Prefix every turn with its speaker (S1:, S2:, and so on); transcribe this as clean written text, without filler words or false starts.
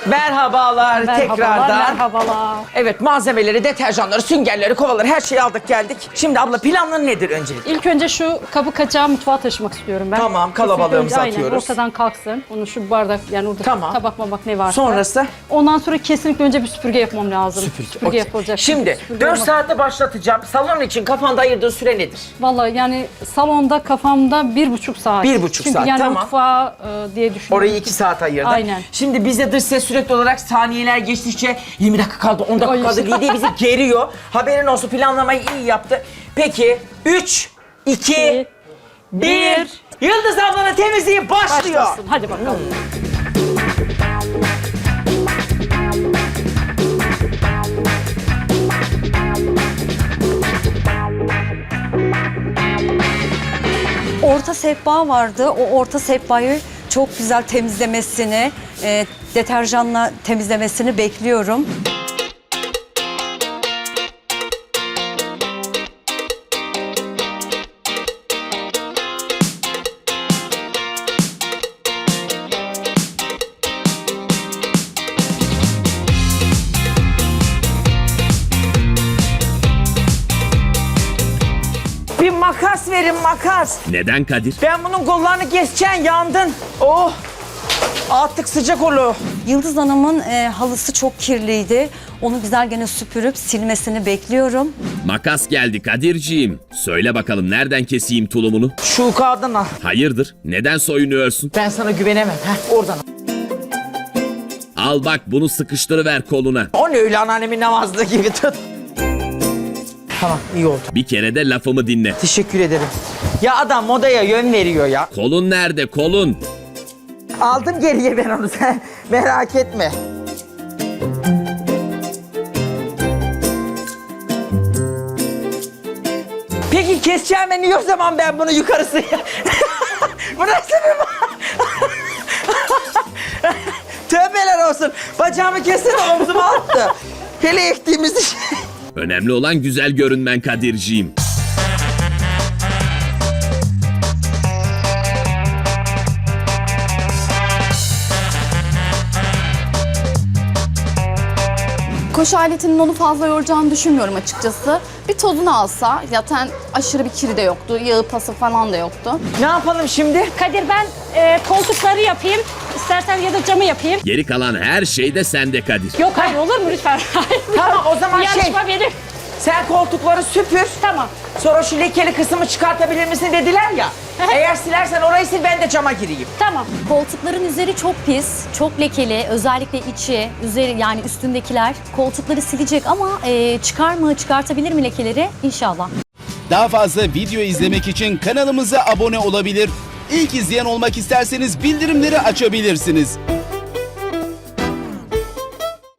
S1: Merhabalar tekrardan.
S2: Merhabalar.
S1: Evet, malzemeleri, deterjanları, süngerleri, kovaları her şeyi aldık geldik. Şimdi abla planın nedir öncelikle?
S2: İlk önce şu kabı kaçağı mutfağa taşımak istiyorum ben.
S1: Tamam, kalabalığımızı
S2: Kesinlikle
S1: atıyoruz.
S2: Aynen, ortadan kalksın. Onu şu bardak yani orada
S1: Tamam.
S2: tabak mabak ne varsa.
S1: Sonrası?
S2: Ondan sonra kesinlikle önce bir süpürge yapmam lazım. Süpürge
S1: Okey.
S2: yapılacak.
S1: Şimdi
S2: Süpürge
S1: 4
S2: olmaz.
S1: saatte başlatacağım. Salon için kafanda ayırdığın süre nedir?
S2: Vallahi yani salonda kafamda 1,5 saat.
S1: 1,5
S2: Çünkü
S1: saat,
S2: yani
S1: tamam.
S2: mutfağa diye düşünüyorum.
S1: Orayı 2 saat ayırdın.
S2: Aynen.
S1: Şimdi bizde dış ses sürekli olarak saniyeler geçtikçe 20 dakika kaldı, 10 dakika
S2: Ay
S1: kaldı
S2: işte.
S1: diye bizi geriyor. Haberin olsun, planlamayı iyi yaptı. Peki 3, 2, 1. Yıldız ablanın temizliği başlıyor.
S2: Başlasın. Hadi bakalım.
S3: Orta sehpa vardı. O orta sehpayı çok güzel temizlemesini, deterjanla temizlemesini bekliyorum.
S1: Bir makas verin, makas.
S4: Neden Kadir?
S1: Ben bunun kollarını keseceğim, yandın. Oh! Artık sıcak olur.
S3: Yıldız Hanım'ın halısı çok kirliydi. Onu güzel gene süpürüp silmesini bekliyorum.
S4: Makas geldi Kadirciğim. Söyle bakalım nereden keseyim tulumunu?
S1: Şu kağıdını al.
S4: Hayırdır? Neden soyunuyorsun?
S1: Ben sana güvenemem. Heh, oradan al.
S4: Al bak bunu sıkıştırıver koluna.
S1: O ne öyle anneannemin namazlığı gibi tut. Tamam, iyi oldu.
S4: Bir kere de lafımı dinle.
S1: Teşekkür ederim. Ya adam modaya yön veriyor ya.
S4: Kolun nerede kolun?
S1: Aldım geriye ben onu, sen merak etme. Peki keseceğim ben niye o zaman ben bunu yukarısı? Bu nasıl bir... Tövbeler olsun. Bacağımı kessene, omzuma attı. Hele ektiğimiz iş.
S4: Önemli olan güzel görünmen Kadirciğim.
S5: Koşu aletinin onu fazla yoracağını düşünmüyorum açıkçası. Bir tozunu alsa, zaten aşırı bir kiri de yoktu, yağı pası falan da yoktu.
S1: Ne yapalım şimdi?
S2: Kadir ben koltukları yapayım. İstersen ya da camı yapayım.
S4: Geri kalan her şey de sende Kadir.
S2: Yok hayır olur mu lütfen? Hayır.
S1: Tamam, o zaman
S2: Yarışma benim.
S1: sen koltukları süpür.
S2: Tamam.
S1: Sonra şu lekeli kısmı çıkartabilir misin dediler ya. Eğer silersen orayı sil, ben de cama gireyim.
S2: Tamam.
S6: Koltukların üzeri çok pis, çok lekeli. Özellikle içi, üzeri yani üstündekiler. Koltukları silecek ama çıkartabilir mi lekeleri? İnşallah.
S7: Daha fazla video izlemek için kanalımıza abone olabilir. İlk izleyen olmak isterseniz bildirimleri açabilirsiniz.